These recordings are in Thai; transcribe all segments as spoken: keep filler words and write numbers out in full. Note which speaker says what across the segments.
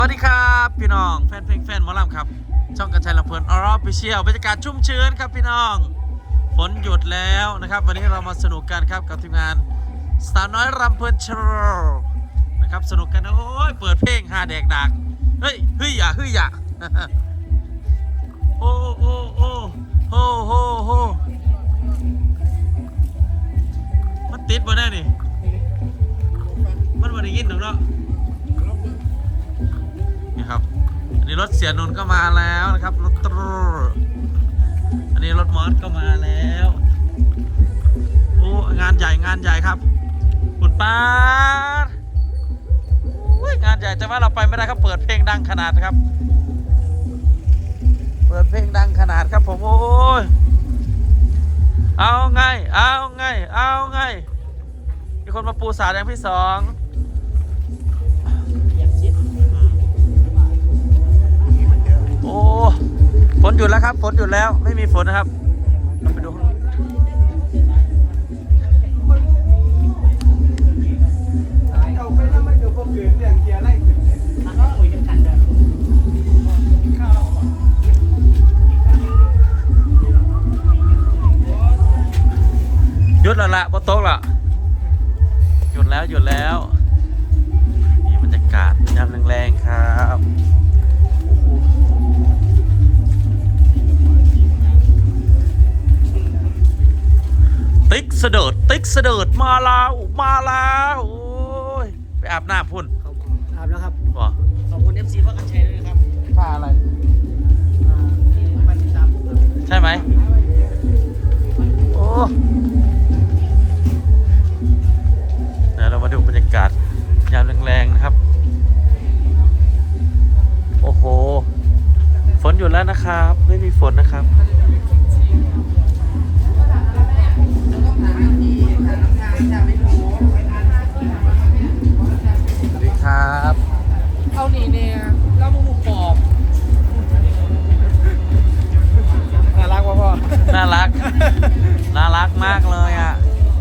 Speaker 1: สวัสดีครับพี่น้องแฟนเพลงแฟนหมอลำครับช่องกระชายลำเพลินออร์ฟิเชียลบรรยากาศชุ่มชื้นครับพี่น้องฝนหยุดแล้วนะครับวันนี้เรามาสนุกกันครับกับทีมงานสาวน้อยรำเพลินโชว์นะครับสนุกกันนะโอ้ยเปิดเพลงฮาแดกดักเฮ้ยเฮ้ยอย่าเฮ้ยอย่าโอ้โอ้โอ้โอ้โอ้โอ้มันติดมาแน่นี่มันมาได้ยินหรือเนาะนี่ครับอันนี้รถเสียนนท์ก็มาแล้วนะครับรถตรูอันนี้รถมอสก็มาแล้วโอ้งานใหญ่งานใหญ่ครับคุณป้างานใหญ่แต่ว่าเราไปไม่ได้ครับเปิดเพลงดังขนาดครับเปิดเพลงดังขนาดครับผมโอ้ยเอาไงเอาไงเอาไงมีคนมาปูสาแดงพี่สองโอ้ฝนหยุดแล้วครับฝนหยุดแล้วไม่มีฝนนะครับเราไปดูหยุดแล้วละบนโต๊ะละหยุดแล้วหยุดแล้วนี่บรรยากาศยามแรงๆครับติ๊กเสดิร์ดติ๊กเสดิร์ดมาแล้วมาแล้วโอ้ยไปอาบน้ำพุ่น
Speaker 2: อาบแล้วครับ
Speaker 1: ว้า
Speaker 2: ขอบคุณ เอฟ ซี ว่ากันชัยด้วยนะครับ
Speaker 1: ค่าอะไร
Speaker 2: ที่มาติดตามผม
Speaker 1: ใช่ไหมโอ้เดี๋ยวเรามาดูบรรยากาศยามแรงๆนะครับโอ้โหฝนหยุดแล้วนะครับไม่มีฝนนะครับสวัสดีครับ
Speaker 2: เอาหนีเนี่ยแล้วมึงปอบน่ารักป่ะพ่อ
Speaker 1: น่ารักน่ารักมากเลยอ่ะ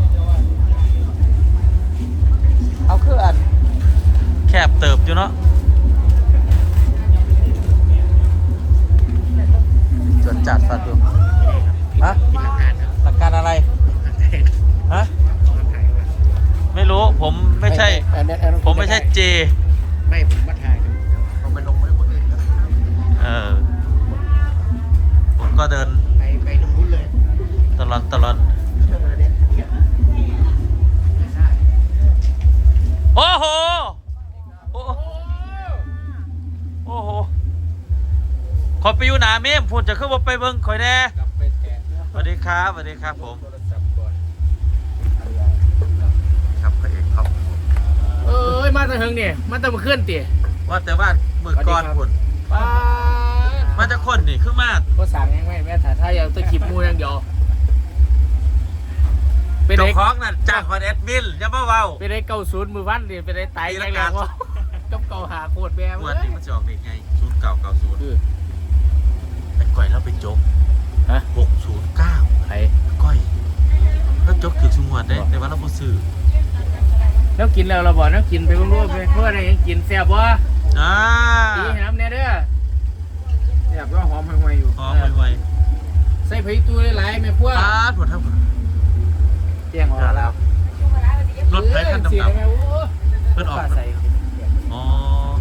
Speaker 1: เอาคืออันแคบเติบอยู่เนาะจดจัดฟัดดูฮะหลักการอะไรฮะไม่รู้ผมไม่ใช่ผมไม่ใช่เจ
Speaker 2: ไม่ผมมาถ่ายผมไปลงไว้คนอื่นแล้ว
Speaker 1: เออผมก็เดิน
Speaker 2: ไปไปตรงนู้นเลย
Speaker 1: ตลอดตลอดโอ้โหโอ้โอ้โหขอไปอยู่หนาเมมพูดจะขึ้นว่าไปเบิ้งคอยแน่สวัสดีครับสวัสดีครับผมครับพระเอกครับ
Speaker 2: เอ้ยมาตะเฮงเนี่ยมาตะมาเคลื่อนตี
Speaker 1: ว่าแต่ว่ามือก่อนคุณมาจะคนนี่ขึ้นมาก
Speaker 2: ก็สั่งยังไม่แม่ถ่ายถ้าอยากตะขีบมูยังเดียว
Speaker 1: เป็นเจ้าของนั่นจากคอนแอดมินอย่ามาเว้า
Speaker 2: เป็นไอ้เก้าศูนย์มือวันดิเป็นไอ้ไตแรงๆว่ากับเก่าหาโคตรแม่
Speaker 1: เมื่อนี้มันจะออกเด็กไงศูนย์เก่าเก่าศูนย์แต่ก้อยเราไปจก
Speaker 2: ฮะ
Speaker 1: หกศูนย์เก้า
Speaker 2: ใคร
Speaker 1: ก้อยแล้วจกถึงสมวนได้ในวันเราบ่ซื้อ
Speaker 2: แล้วกินแล้วเราบอกแล้วกินไปรู้ๆไปเพื่ออะไรยังกินแซ่บวะ
Speaker 1: อ่า
Speaker 2: ดีน้ำเนี่ยเด้อแซ่บก็หอมห่วยๆอยู่
Speaker 1: หอมห่วย
Speaker 2: ๆใส่ไผ่ตู้หลายๆแม่พวก
Speaker 1: อ่าหมดทั้งหมด
Speaker 2: เตียงออกแล้ว
Speaker 1: รถไฟคันดำๆเพิ่นออกอ๋อ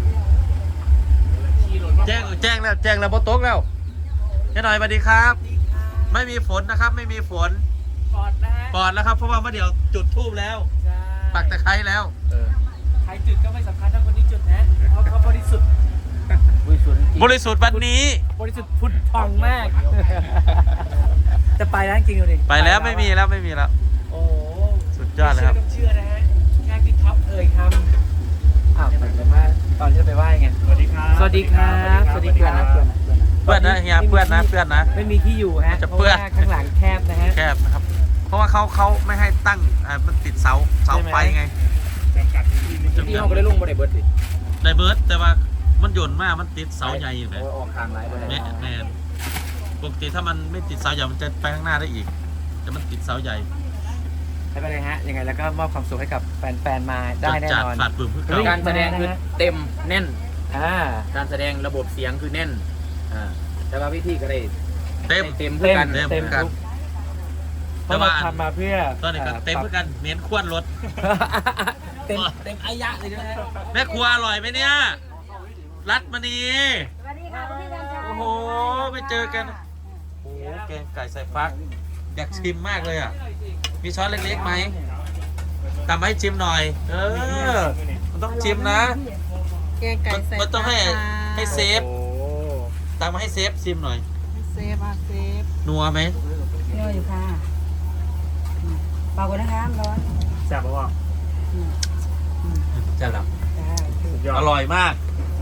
Speaker 1: แจ้งแจ้งแล้วแจ้งแล้วบนโต๊ะแล้วแค่หน่อยสวัสดีครับไม่มีฝนนะครับไม่มีฝน
Speaker 2: ปอดนะฮะ
Speaker 1: ปอดแล้วครับเพราะว่าเมื่อเดี๋ยวจุดทูบแล้วปักตะไคร้แล้ว
Speaker 2: ใครจุดก็ไม่สำคัญถ้าคนนี้จุดนะเขาเขาบริสุทธิ์บริสุทธิ์
Speaker 1: บริสุทธิ์วันนี้
Speaker 2: บริสุทธิ์พุทธทองมากจะไปแล้วจริงๆดิ
Speaker 1: ไปแล้วไม่มีแล้วไม่มีแล้ว
Speaker 2: โอ้
Speaker 1: สุดยอดเลยครับ
Speaker 2: เชื่อนะฮะแค่พี่ท็อปเอ่ยคำอ้าวแต่ว่าตอนที่ไปไหว้ไงสวัสดีครับสวัสดีครับสวัสดีครับ
Speaker 1: เพื่อนนะเฮียเพื่อนนะเพื่อนนะ
Speaker 2: ไม่มีที่อยู่ฮะเพราะว่าข้างหลังแคบนะฮะ
Speaker 1: แคบนะครับเพราะว่าเขาเขาไม่ให้ตั้งมันติดเสาเสาไฟไง
Speaker 2: ที่ห้องก็ได้ลงบนไดเบิร์ดสิ
Speaker 1: ไดเบิร์ดแต่ว่ามันโยนมากมันติดเสาใหญ่อยู่เลย
Speaker 2: ออกทางไร
Speaker 1: แม่แม่ปกติถ้ามันไม่ติดเสาใหญ่มันจะไปข้างหน้าได้อีกแต่มันติดเสาใหญ่
Speaker 2: ไม่เป็นไรฮะยังไงแล้วก็มอบความสุขให้กับแฟนๆมาได้แน่นอน
Speaker 1: ฝาดปื้มเพื่อ
Speaker 2: การแสดงคือเต็มแน่นอ่าการแสดงระบบเสียงคือแน่นอ่าแต่ว่าวิธีก็ได้
Speaker 1: เต็ม
Speaker 2: เต็มเพื่อกัน
Speaker 1: เต็ม
Speaker 2: เต็ม
Speaker 1: กัน
Speaker 2: ทุก
Speaker 1: แต่ว่า
Speaker 2: ทำมาเพื่อ
Speaker 1: ตอนนี้ก็เต็มเพื่อกันเน้นควนรถ
Speaker 2: เต็มเต็มอายะเลยนะ
Speaker 1: แม่ครัวอร่อยไหมเนี่ย รัดมานี
Speaker 3: สวัสดีค่ะพี่กัญชัย
Speaker 1: โอ้โหไม่เจอกันโอ้โหแกงไก่ใส่ฟัก อยากชิมมากเลยอ่ะ มีช้อนเล็กๆไหมตำให้ชิมหน่อย เออ มันต้องชิมนะ
Speaker 3: แกงไก่ใส่
Speaker 1: มันต้องให้
Speaker 3: ปลา
Speaker 1: ให้เซฟ
Speaker 2: โอ้
Speaker 1: ตำมาให้เซฟชิมหน่อย
Speaker 3: เซฟอ่ะเซฟ
Speaker 1: นัวไหม
Speaker 3: เนื้ออยู่ค่ะเปล่าก่อนนะคะร้อน
Speaker 2: แซ่บปะวะ
Speaker 3: อืม
Speaker 1: จะหลับ
Speaker 3: ได้
Speaker 2: สุดยอ
Speaker 1: อ
Speaker 2: ด
Speaker 1: ร่อยมาก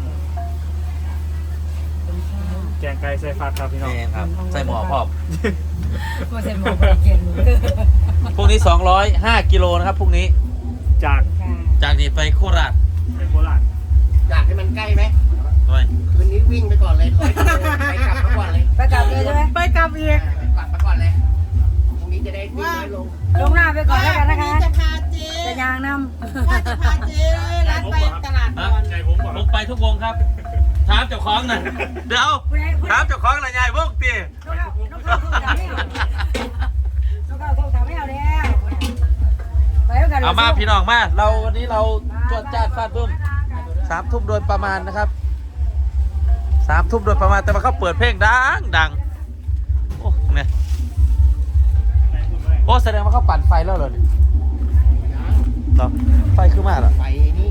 Speaker 3: เป็นข้าว
Speaker 2: แกงไก่ใส่ฟักครับพี่น้อง
Speaker 1: นี่ครับ ใส่หมอพอบ
Speaker 3: ก็เสร็จหมดไปกิน
Speaker 1: พรุ่งนี้สองร้อยห้ากิโลนะครับพรุ่งนี้
Speaker 2: จาก
Speaker 3: ค่ะ
Speaker 1: จากนี้ไปโคราช
Speaker 2: ไปโคราช
Speaker 4: อยากให้มันใกล้ไหม
Speaker 1: ด้วย
Speaker 4: คืนนี้วิ่งไปก่อนเลยร้อยกิโลไปกลับมาก่อนเลย
Speaker 3: ไปกลับเลยใช่ไหมไปกลับอีก
Speaker 4: กลับมาก่อนเลยพรุ่งนี้จะได้วิ่งน้อยลง
Speaker 3: ลงหน้าไปก่อนแล้วกันนะคะ
Speaker 5: จะพาเจ๊
Speaker 3: จะยางน
Speaker 5: ว่าจะพาเจ๊ร้านไปตลาดก่อน
Speaker 2: ใจผมบอก
Speaker 1: ผมไปทุกวงครับ ถามเจ้าของหน่อยเดี๋ยว
Speaker 3: ำคุณไอ้คุณ
Speaker 1: ถามเจ้าของหน่อยยายวงตี
Speaker 3: นกเขานกเขาโทรถามไม่เอานกเขาโทรถามไม่เอาแล้วไปแล้วกัน
Speaker 1: เอามาพี่น้องมาเราวันนี้เราจวดจ้าดฟาดบึ้มสามทุ่มโดยประมาณนะครับสามทุ่มโดยประมาณแต่ว่าเขาเปิดเพลงดังดังโอ้เนี่ยโอ้แสดงว่าเขาปั่นไฟแล้วเหรอเนี่ยเหรอไฟขึ้นมาเหรอ
Speaker 4: ไปนี่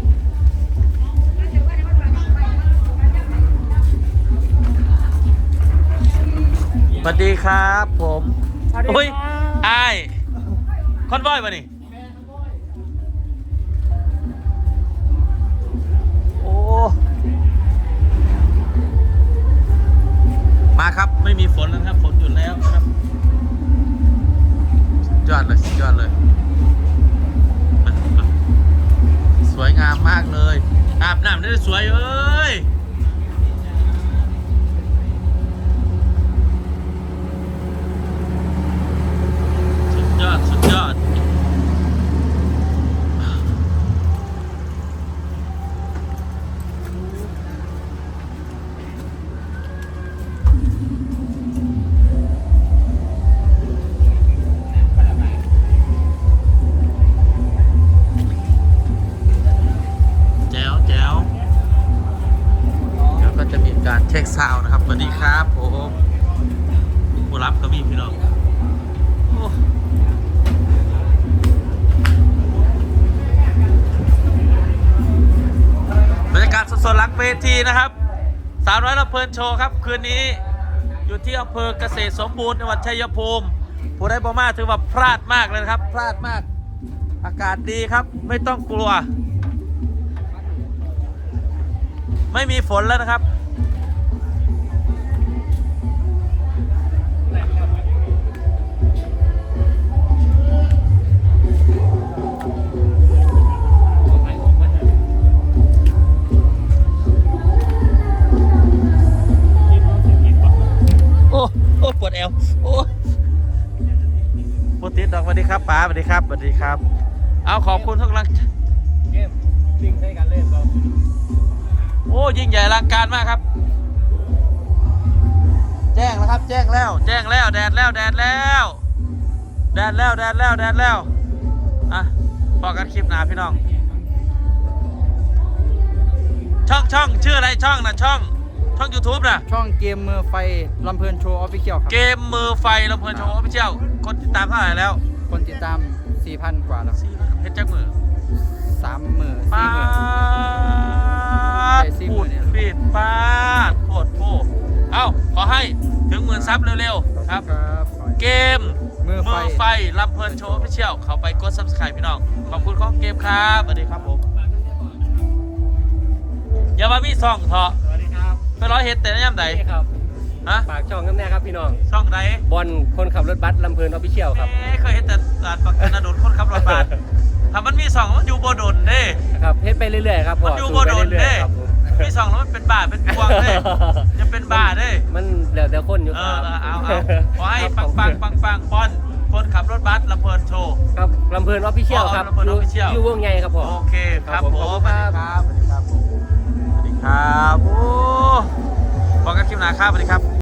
Speaker 1: สวัสดีครับผม
Speaker 3: สวัสดี
Speaker 1: อุ้ย
Speaker 3: ค่ะ
Speaker 1: ไอ้ายคอนวอยป่ะนี่โอ้มาครับไม่มีฝนแล้วนะครับฝนหยุดแล้วครับสุดยอดเลยสุดยอดเลยมามาสวยงามมากเลยอาบน้ำได้สวยเอ้ยสุดยอดสุดยอดแจ๋วแจ๋วเดี๋ยวก็จะมีการเช็คซาวน์นะครับสวัสดีครับผมผู้รับก็มีพี่น้องโอ้บรรยากาศสดๆหลังเวทีนะครับสาวน้อยลำเพลินโชว์ครับคืนนี้อยู่ที่อำเภอเกษตรสมบูรณ์จังหวัดชัยภูมิผู้ได้บอมาถือว่าพลาดมากเลยนะครับ พลาดมาก อากาศดีครับไม่ต้องกลัว ไม่มีฝนแล้วนะครับโอ้โอ้ปวดเอวโอ้ปวดติดดอกสวัสดีครับป๋าสวัสดีครับสวัสดีครับ เอาขอบคุณทุกกำลังใจ
Speaker 2: เกมลิงใช้กันเล่นบ่
Speaker 1: โอ้ยิ่งใหญ่อลังการมากครับ แจ้งแล้วครับ แจ้งแล้ว แจ้งแล้วแดดแล้วแดดแล้วแดดแล้วแดดแล้วแดดแล้วอ่ะพอกันคลิปหนาพี่น้อง ช่องช่องชื่ออะไรช่องนะช่อง ช่อง YouTube นะ
Speaker 6: ช่องเกมมือไฟลำเพลินโชว์ออฟฟิเชียลครับ
Speaker 1: เกมมือไฟลำเพลินโชว์ออฟฟิเชียลคนติดตามเท่าไหร่แล้ว
Speaker 6: คนติดตาม สี่พัน กว่าแล้ว
Speaker 1: สี่เพชรจักมือ
Speaker 6: สามหมื่น
Speaker 1: ปา
Speaker 6: สี่หมื่น
Speaker 1: ดพูดปิดปาดโคตรโพเอ้าขอให้ถึงหมื่นซับเร็วๆครับ
Speaker 6: ครับ
Speaker 1: เกม
Speaker 6: มือไฟ
Speaker 1: มือไฟลำเพลินโชว์พิเชียลเขาไปกด ซับสไครบ์ พี่น้อง ขอบคุณของเกมครับสวัสดีครับผม อย่ามามีซ่องเถอะ
Speaker 2: สวัสดีครับ
Speaker 1: ไปร้อยเฮ็ดแต่ย่ำไหน
Speaker 2: นี่ครับ
Speaker 1: ฮะ
Speaker 2: ฝากช่องกันแน่ครับพี่น้อง
Speaker 1: ช่องไหน
Speaker 2: บอลคนขับรถบัสลำเพลินออฟฟิเชียลครับ
Speaker 1: เอ๊ะเคยเห็นแต่อ่านปากกาโดนคนขับรถบัสถ้ามันมีซ่องมันอยู่บ่โดนเด้
Speaker 2: ครับเฮ็ดไปเรื่อยๆครับพ่
Speaker 1: มั
Speaker 2: อน
Speaker 1: อยู่
Speaker 2: สู้
Speaker 1: บ่
Speaker 2: ไป
Speaker 1: โดน
Speaker 2: เรื่อย
Speaker 1: เด้
Speaker 2: ๆครับผม
Speaker 1: มีซ่องแล้วมันเป็นบ้าเป็นพวงเด้จะเป็นบ้าเด้
Speaker 2: มันแล้วแต่คนอยู่
Speaker 1: เอ
Speaker 2: ค
Speaker 1: อ
Speaker 2: รับ
Speaker 1: เออเอาเอาขอให้ปังปังปังปังบอลคนขับรถบัสลำเพลินโชว์
Speaker 2: ครับลำเพลินออฟฟิเชียลครับ
Speaker 1: อ๋อลำเพลิน Official
Speaker 2: อยู่วงใหญ่ครับผม
Speaker 1: โอเคครับ
Speaker 2: ครับ
Speaker 1: ผ
Speaker 2: ผม
Speaker 1: ม
Speaker 2: ขอบคุณครับ
Speaker 1: สวัสดีครับสวัสดีครับผมสวัสดีครับโอ้บอกกันคลิปหน้าครับสวัสดีครับ